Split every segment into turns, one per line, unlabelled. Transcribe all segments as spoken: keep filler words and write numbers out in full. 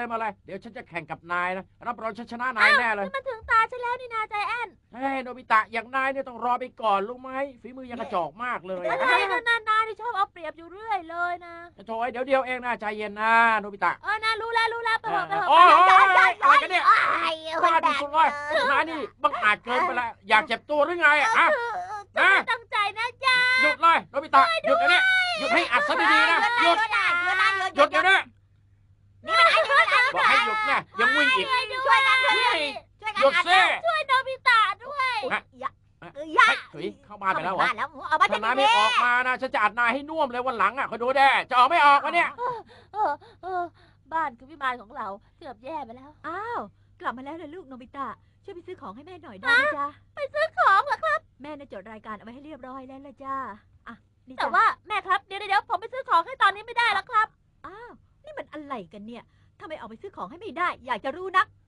เลยมาเลยเดี๋ยวฉันจะแข่งกับนายนะรับรองฉันชนะนายแน่เลย
มันถึงตาฉันแล้วนี่นาใจแอน
เฮ้ยโนบิตะอย่างนายเนี่ยต้องรอไปก่อนรู้ไหมฝีมือยังกระจอกมากเลย
อะไรนะนานาที่ชอบเอาเปรียบอยู่เรื่อยเลยนะ
โถ่เดี๋ยวเดียวเองนะใจเย็นนะโนบิตะ
เออนารู้แล้วรู้แล้วไปเถอะไปเถอะ
โอ้ยอะไรกันเนี่ยบ้าที่สุดเลยนายนี่บังอาจเกินไปแล้วอยากเจ็บตัวหรือไงอ่ะ
นะตั้งใจนะจ๊ะ
หยุดเลยโนบิตะหยุดเดี๋ยวนี้หยุดให้อัดซะดีๆนะหยุดหยุดเดี๋ยวนี้บอกให้หยุดนะยังวิ่งอีก
ช่วยกันช่วยกัน
หยุดซิ
ช่วยโนบิตะด้วย
เฮ้ยเข้ามาไปแล้วเหรอถ้านายไม่ออกมานะฉันจะอัดนายให้น่วมเลยวันหลังอ่ะคอยดูแด้จะออกไม่ออกวะเนี่ย
เออเออบ้านคือวิมานของเราเกือบแย่ไปแล้ว
อ้าวกลับมาแล้วเลยลูกโนบิตะช่วยไปซื้อของให้แม่หน่อยได้ไหมจ๊ะ
ไปซื้อของเหรอครับ
แม่น่ะจดรายการเอาไว้ให้เรียบร้อยแล้วละจ้าอ่ะนี่
แต่ว่าแม่ครับเดี๋ยวเดี๋ยวผมไปซื้อของให้ตอนนี้ไม่ได้แล้วครับ
อ้าวนี่มันอะไรกันเนี่ยทำไมเอาไปซื้อของให้ไม่ได้อยากจะรู้นัก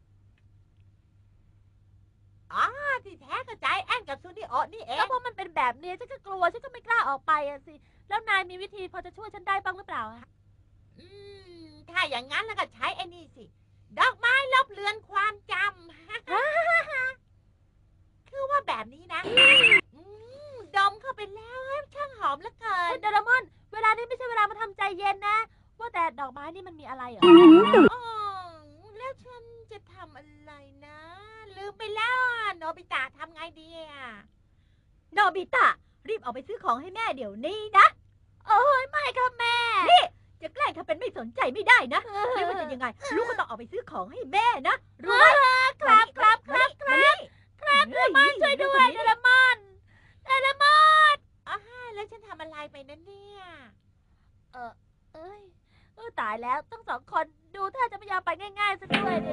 อ๋อที่แท้ก็ใจแอนกับซูนิโอนี่เอง
ก็เพราะมันเป็นแบบนี้ฉันก็กลัวฉันก็ไม่กล้าออกไปอะสิแล้วนายมีวิธีพอจะช่วยฉันได้บ้างหรือเปล่า
อืมถ้าอย่างนั้นแล้วก็ใช้ไอ้นี่สิดอกไม้ลบเลือนความจำคือว่าแบบนี้นะดมเข้าไปแล้วช่างหอมเหลือเกิน
เดรามอนเวลานี้ไม่ใช่เวลามาทำใจเย็นนะว่าแต่ดอกไม้นี่มันมีอะไรเหรอ
อ๋อแล้วฉันจะทำอะไรนะลืมไปแล้วโนบิตะทำไงดีอ่ะ
โนบิตะรีบเอาไปซื้อของให้แม่เดี๋ยวนี้นะ
โอ้ยไม่ครับแม่
นี่จะแกล้งทำเป็นไม่สนใจไม่ได้นะไม่ว่าจะยังไงลูกก็ต้องเอาไปซื้อของให้แม่นะรู้ไหม
ครับครับครับครับครับเดรามอนช่วยด้วยเดรามอนเดรามอน
อ๋อแล้วฉันทำอะไรไปนั่นเนี่ย
เออเอ้ยเออตายแล้วทั้งสองคนดูถ้าจะไม่ยอมไปง่ายๆซะด้วยดิ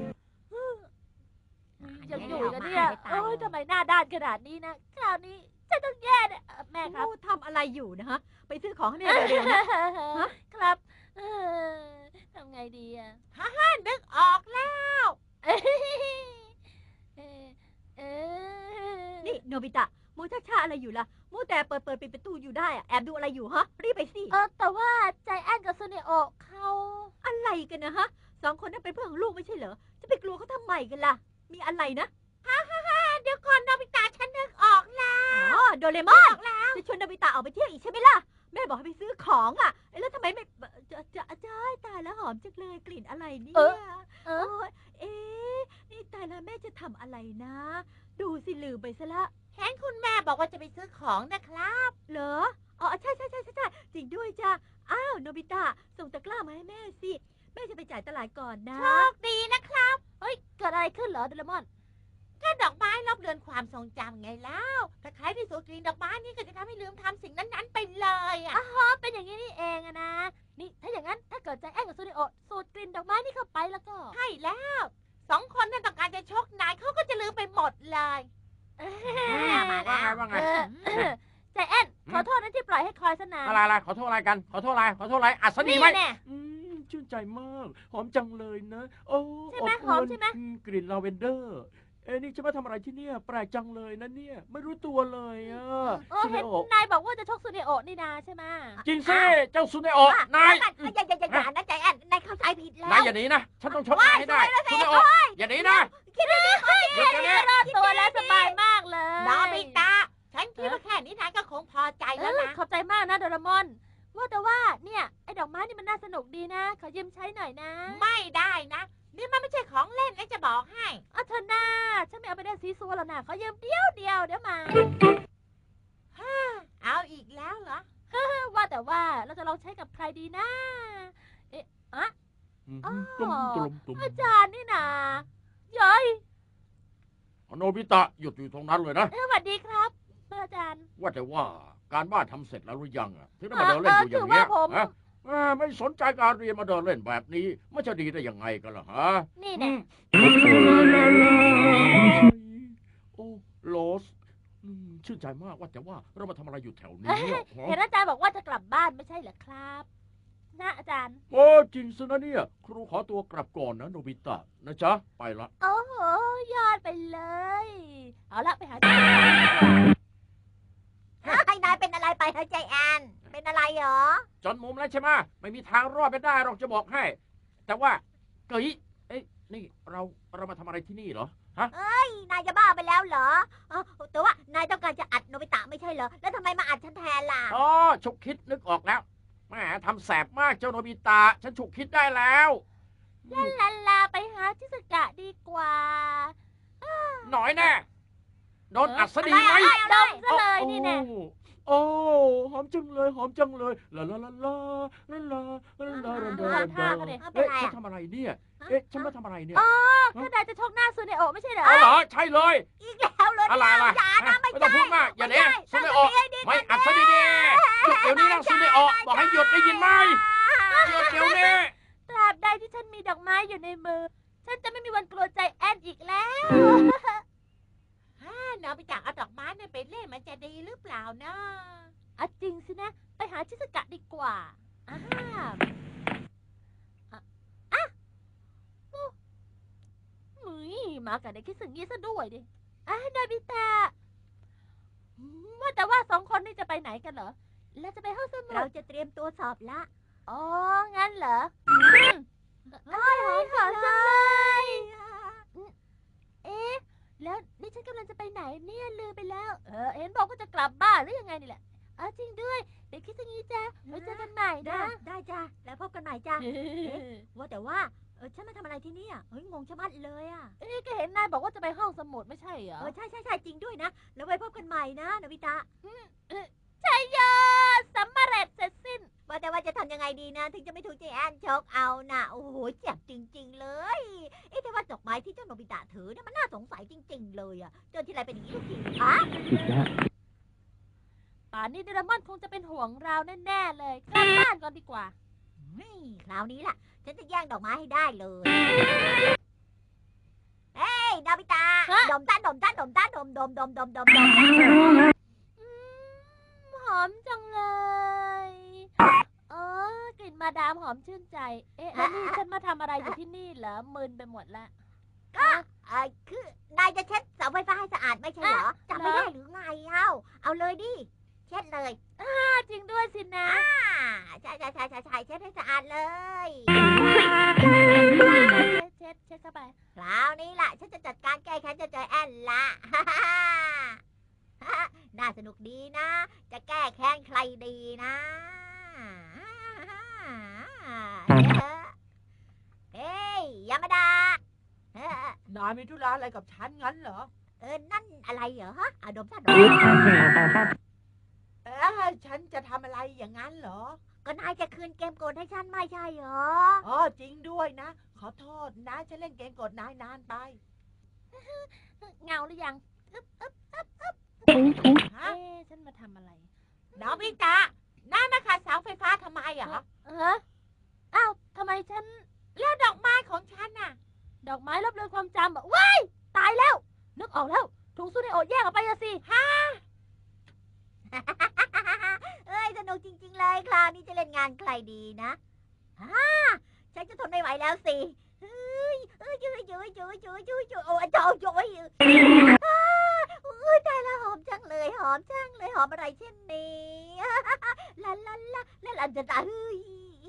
ยังอยู่กันเนี่ยโอ้ยทำไมหน้าด้านขนาดนี้นะคราวนี้ฉันต้องแย่เนี่ยแม่ครับ
ทำอะไรอยู่นะฮะไปซื้อของให้แม่เร็วๆนะครับ
ทำไงดีอ่ะ
ฮ่าฮ่านึกออกแล้ว
นี่โนบิตะมูชักชาอะไรอยู่ล่ะมูแต่เปิดเปิดปิดประตูอยู่ได้อะแอบดูอะไรอยู่ฮะรีบไปสิ
เออแต่ว่าใจแอนกับซูเนโอเขา
อะไรกันนะฮะสองคนนั้นเป็นเพื่อนของลูกไม่ใช่เหรอจะไปกลัวเขาทำไมกันล่ะมีอะไรนะ
ฮ่าฮ่าฮ่าเดี๋ยวก่อนโนบิตะฉันนึกออกแล้ว
อ๋อโดเรมอนจะชวนโนบิตะออกไปเที่ยวอีกใช่ไหมล่ะแม่บอกให้ไปซื้อของอ่ะแล้วทำไมไม่จะจะจะตายแล้วหอมจังเลยกลิ่นอะไรเนี่ยเออเอ๊ะนี่ตายแล้วแม่จะทำอะไรนะดูสิลืมไปซะละ
เห็นคุณแม่บอกว่าจะไปซื้อของนะครับ
เหรออ๋อใช่ใช่ใช่ใช่จริงด้วยจ้ะอ้าวโนบิตะส่งตะกร้ามาให้แม่สิแม่จะไปจ่ายตลาดก่อนนะ
โชคดีนะครับ
เฮ้ยเกิดอะไรขึ้นเหรอเดลมอน
ก็ดอกไม้ลบเลือนความทรงจำไงแล้วถ้าใครที่สูดกลิ่นดอกไม้นี่ก็จะทำให้ลืมทำสิ่งนั้นๆไปเลยอ่ะ
อ๋อเป็นอย่างนี้นี่เองอะนะนี่ถ้าอย่างนั้นถ้าเกิดใจแอนกับซูนิโอสูดกลิ่นดอกไม้นี่เข้าไปแล้วก็
ใช่แล้วสองคนนั่นต้องการจะชกนายเขาก็จะลืมไปหมดเลย
มาแล้วว่าไง
ใจแอนขอโทษนะที่ปล่อยให้คอยสนาน
อะไรอะไรขอโทษอะไรกันขอโทษอะไรขอโทษอะไรอัศนีไหมชื่นใจมากหอมจังเลยนะโอ้
ใช่ไหมหอมใช่ไหม
กลิ่นลาเวนเดอร์เอ้นี่จะมาทำอะไรที่เนี่ยแปลกจังเลยนะเนี่ยไม่รู้ตัวเลยอ่ะ
ซูเนโอนายบอกว่าจะชกซูเนโอนี่นาใช่ไหม
จริงสิเจ้าซูเนโอนาย
อย่าอย่าอย่าอย่านะใจแอนนายเข้าใจผิดแล้ว
นายอย่าหนีนะฉันต้องชกนายให้ได้ซูเนโออย่าหนีนะ
คิดว่านี่คนนี้รอดตัวแล้วสบายมากเลย
น้องบิตาฉันคิดว่าแค่นี้นายก็คงพอใจแล้วนะ
ขอบใจมากนะโดรามอนว่าแต่ว่าเนี่ยไอ้ดอกไม้นี่มันน่าสนุกดีนะขอยืมใช้หน่อยนะ
ไม่ได้นะนี่มันไม่ใช่ของเล่นนะจะบอกให้
อ๋อเธอหน้าฉันไม่เอาไปได้ซีซัวแล้วนะขอยืมเดียวเดียวเดี๋ยวมา
ฮ่าเอาอีกแล้วเหรอ
ว่าแต่ว่าเราจะลองใช้กับใครดีนะเอ๊ะอะอ๋ออาจารย์นี่นาย้อย
โนบิตะหยุดอยู่ตรงนั้นเลยนะ
สวัสดีครับอาจารย์
ว่าแต่ว่าการบ้านทำเสร็จแล้วหรือยังอ่ะถึงได้มาเดินเล่นอยู่อย่างนี้ฮะไม่สนใจการเรียนมาเดินเล่นแบบนี้มันจะดีได้ยังไงกันล่ะฮะ
นี่แน่
โอ้โลสชื่นใจมากว่าแต่ว่าเรามาทำอะไรอยู่แถวนี้
เห็นอาจารย์บอกว่าจะกลับบ้านไม่ใช่เหรอครับนะอาจารย์
โอ้จริงสินะเนี่ยครูขอตัวกลับก่อนนะโนบิตะนะจ๊ะไปละ
โอ้โหยอดไปเลยเอาละไปหา
ไอ้นายเป็นอะไรไปเฮ้ยใจแอนเป็นอะไรเหรอ
จนมุมแล้วใช่ไหมไม่มีทางรอดไปได้หรอกจะบอกให้แต่ว่าเฮ้ยเอ้ยนี่เราเรามาทำอะไรที่นี่เหรอฮะ
นายจะบ้าไปแล้วเหรอเออแต่ว่านายต้องการจะอัดโนบิตะไม่ใช่เหรอแล้วทำไมมาอัดฉันแทนล่ะ
อ๋อฉุกคิดนึกออกแล้วแหมทำแสบมากเจ้าโนบิตะฉันฉุกคิดได้แล้ว
ลาลาลาไปหาชิสกะดีกว่า
หน่อยแน่โดนอัดซะดีไหม
ดมซะเลยนี่แน่
โอ้หอมจังเลยหอมจังเลยลาลาลาลาลาลาลาลาลาลาลา
ท่าก็ดิ
เอ๊ะฉันทำอะไรเนี่ยเอ๊ะฉันมาทำอะไรเนี่ย
อ๋อก็นายจะชกหน้าซูเนโอะไม่ใช่เหรอ
เอาเหรอใช่เลย
อีกแล้วเลย
อะไรอะไร
อย่านะไม่
ไม่ต้องพูดมากอย่าเนี้ยซูเนโอะไม่อัดซะดีๆหยุดเดี๋ยวนี้นะซูเนโอะบอกให้หยุดได้ยินไหมหยุดเดี๋ยวนี้
ตราบใดที่ฉันมีดอกไม้อยู่ในมือ ฉันจะไม่มีวันกลัวใจแอนอีกแล้ว
ฮ่าโนบิตะเอาดอกไม้เนี่ยไปเล่นมันจะดีหรือเปล่านะ
อ่ะจริงสินะ ไปหาชิสกะดีกว่าอ่าอ่ะอ่ะโอ้หนุยมากับเด็กคิดสึงยี่ซะด้วยดิอ่ะนาบิตะอืมว่าแต่ว่าสองคนนี่จะไปไหนกันเหรอ แล้วจะไปห้องสมุ
เรา
ด
จะเตรียมตัวสอบละ
อ๋อ งั้นเหรออืมเอ้ยหอมจังเลย เอ๊ะ แล้วนี่ฉันกำลังจะไปไหนเนี่ยลืมไปแล้ว เออ เห็นบอกว่าจะกลับบ้านหรือยังไงนี่แหละอ๋อจริงด้วย เดี๋ยวคิดอย่างนี้จ้ะไว้เจอกันใหม่
ได้
นะ
ได้จ้ะแล้วพบกันใหม่จ้ะ ว่าแต่ว่าเออฉันมาทำอะไรที่นี่อ่ะเฮ้ยงงชะมัดเลยอ่ะ
เอ๊ะก็เห็นนายบอกว่าจะไปห้องสมุดไม่ใช่เหรอ
เออใช่ใช่ใช่จริงด้วยนะแล้วไว้พบกันใหม่นะโนบิตะ
ใช่ยอดสำเร็จเสร็จสิ้น
ว่าแต่ว่าจะทำยังไงดีนะ ถึงจะไม่ถูกใจแอนชกเอานะโอ้โหเจ็บจริง ๆ เลยเอ๊ะแต่ว่าดอกไม้ที่เจ้าโนบิตะถือเนี่ยมันน่าสงสัยจริง ๆ เลยอ่ะเจอที่ไรเป็นอย่างนี้ทุกทีอ่ะ
ป่านนี้เดรามอนคงจะเป็นห่วงเราแน่ๆเลยกลับบ้านก่อนดีกว่า
นี่คราวนี้ล่ะ ฉันจะแย่งดอกไม้ให้ได้เลยเฮ้ยโนบิตะ
ฮะ
ดมตาดมตาดมตาดมดมดมดมดมดม
อืมหอมจังเลย เออกลิ่นมาดามหอมชื่นใจ เอ๊ะแล้วนี่ฉันมาทำอะไรอยู่ที่นี่เหรอมึนไปหมดละ
ก็เออคือนายจะเช็ดเสาไฟฟ้าให้สะอาดไม่ใช่เหรอจำไม่ได้หรือไงเอ้าเอาเลยดิเช็ดเลย
อ่าจริงด้วยสินะ
อ่าใช่ใช่ใช่ใช่ใช่เช็ดให้สะอาดเลย
เช็ดเช็ดเช็ดเข้าไป
คราวนี้ล่ะ ฉันจะจัดการแก้แค้นเจะเจอแอนละ น่าสนุกดีนะ จะแก้แค้นใครดีนะเฮ้ยยามาดาเออน
ายมีธุระอะไรกับฉันงั้นเหรอ
เออนั่นอะไรเหรอฮะอะดมซะดม
เออฉันจะทำอะไรอย่างนั้นเหรอ
ก็นายจะคืนเกมโกดให้ฉันไม่ใช่เหรอ
อ๋อจริงด้วยนะ ขอโทษนะฉันเล่นเกมกดนายนานไป
เงาหรือยังอึ๊บอึ๊บอึ๊บอึ๊บ
ฮะ
เอ๊ะฉันมาทำอะไร
โนบิตะนายมาขัดเสาไฟฟ้าทำไมอ่ะ
เอออ้าวทำไมฉัน
แล้วดอกไม้ของฉันน่ะ
ดอกไม้ลบเลือนความจำอะว้ายตายแล้ว นึกออกแล้ว ถุงซูเนโอะแยกออกไปอะสิ
เอ้ยสนุกจริง ๆ เลยคราวนี้จะเล่นงานใครดีนะฮ่าฉันจะทนไม่ไหวแล้วสิเฮ้ยเอ้ยจุ๊ยจุ๊ยจุ๊ยจุ๊ยจุ๊ยจุ๊ยโอ้ยโจ้ยโจ้ยอ้าอุ้ยตายแล้วหอมจังเลยหอมจังเลยหอมอะไรเช่นนี้ลาลาลาลาลาจะตายเฮ้ย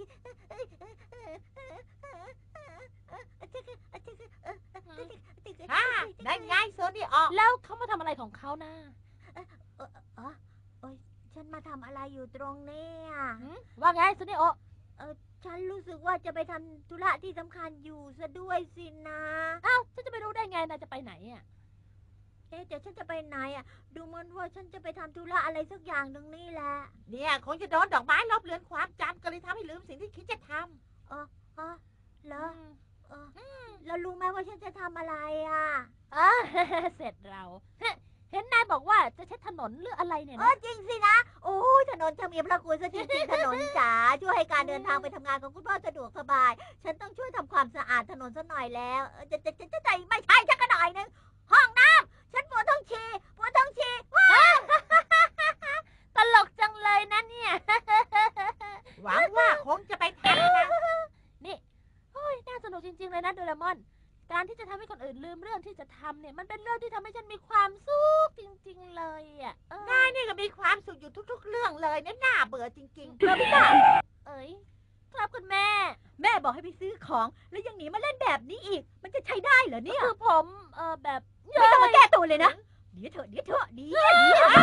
ฮ่านั่นไงโซนี่ออก
แล้วเขามาทำอะไรของเขานะ
อ๋อโอ้ยฉันมาทำอะไรอยู่ตรงนี้อ่ะ
หืมว่าไงซูเนโอะ
ฉันรู้สึกว่าจะไปทำธุระที่สำคัญอยู่ซะด้วยสินะ
อ้าวฉันจะไปรู้ได้ไงนายจะไปไหนอะ
เอ๊ะแต่ฉันจะไปไหนอ่ะ ดูเหมันว่าฉันจะไปทำธุระอะไรสักอย่างหนึ่งนี่แหละ
เนี่ยคงจะโดนดอกไม้ลบเลือนความจำก็เลยทำให้ลืมสิ่งที่คิดจะท
อ๋อเหร
อื
อ
ม
เออแล้วรู้ไหมว่าฉันจะทำอะไรอ่ะ
อ่า เสร็จเราฮะเห็นนายบอกว่าจะเช็ดถนนหรืออะไรเนี่ย
เออ
นะ
จริงสินะ โอ้ยถนนจะมีพระคุณซะจริงๆ ถนนจ๋าช่วยให้การเดินทางไปทำงานของคุณพ่อสะดวกสบาย ฉันต้องช่วยทำความสะอาดถนนซะหน่อยแล้วเออจะจะจะจะจะไม่ใช่ชักกระหน่อยนึงห้องน้ำฉันปวดท้องฉี่ปวดท้องฉี่ว้า
ตลกจังเลยนะเนี่ย
ำหวังว่าคงจะไปทำนะ
นี่โอ้ยน่าสนุกจริงๆเลยนะโดเรมอน การที่จะทำให้คนอื่นลืมเรื่องที่จะทำเนี่ย มันเป็นเรื่องที่ทำให้ฉันมีความสุขจริงๆเลยอ่ะเออน
ายนี่ก็มีความสุขอยู่ทุกๆ เรื่องเลยเนี่ยน่าเบื่อจริง
โนบิตะเอ้ยครับคุณแม่
ๆ แม่
บอกให้ไปซื้อของแล้วยังหนีมาเล่นแบบนี้อีก มันจะใช้ได้เหรอเนี่ย
คือผมเออแบบ
ไม่ต้องมาแก้ตัวเลยนะเดี๋ยวเถอะเดี๋ยวเถอะเดี๋ยวเดี๋ยว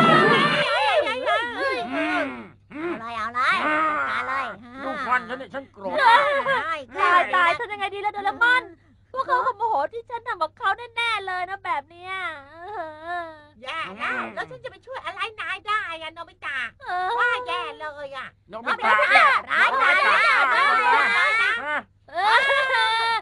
อืมอืม
อะไรเอาอะไรจัดการเลย
ดูฟันฉันเนี่ยฉันโกรธ
ตายตายทำยังไงดีล่ะโดเรมอนพวกเขาคงโมโหที่ฉันทำกับเขาแน่ๆเลยนะแบบเนี้ยเออ
แย่แล้วแล้วฉันจะไปช่วยอะไรนายได้อะโนบิตะ
เออ
ว่าแย่เลยอะ
น้องไม่ตา
ร้ายร้ายร้ายร้าย
ฮะ
เออ